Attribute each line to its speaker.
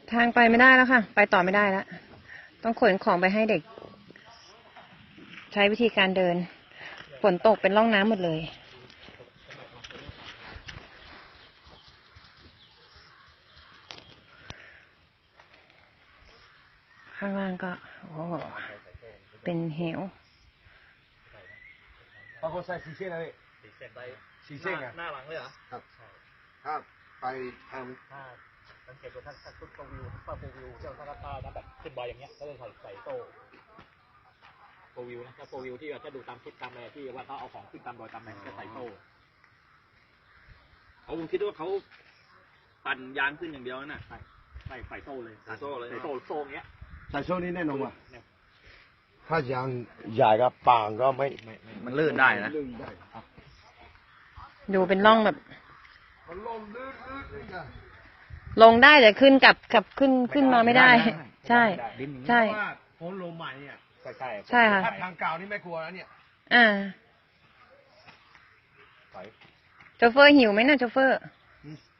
Speaker 1: ทางไปไม่ได้แล้วค่ะ ไปต่อไม่ได้แล้ว ต้องขนของไปให้เด็ก ใช้วิธีการเดิน ฝนตกเป็นร่องน้ำหมดเลย ข้างล่างก็โอ้เป็นเหว
Speaker 2: บางคนใส่สีเส้นอะไรสีเส้นไปสีเส้นหน้าหลังเลยเหรอครับถ้าไปทางถ้าสังเกตว่าถ้าชุดโฟวิวถ้าโฟวิวเจ้าถ้าน้ำแบบขึ้นดอยอย่างเงี้ยก็จะใส่โซ่โฟวิวนะถ้าโฟวิวที่เราจะดูตามชุดตามอะไรที่ว่าเขาเอาของขึ้นตามดอยตามไหนจะใส่โซ่ผมคิดว่าเขาปั่นยางขึ้นอย่างเดียวน่ะใส่โซ่เลยใส่โซ่เงี้ยใส่โซ่นี่แน่นอนว่ะถ้ายางใหญ่กับปางก็ไม่มันลื่นได้นะ
Speaker 1: ดูเป็นร่องแบบลงได้แต่ขึ้นกลับขึ้นมาไม่ได้ ใช่ใช่
Speaker 2: โค้งลมใหม่เนี่ย
Speaker 1: ใช่ค่ะ
Speaker 2: ทางเก่านี่ไม่กลัวแล้วเนี่ย
Speaker 1: โชเฟอร์หิวไหมนะโชเฟอร์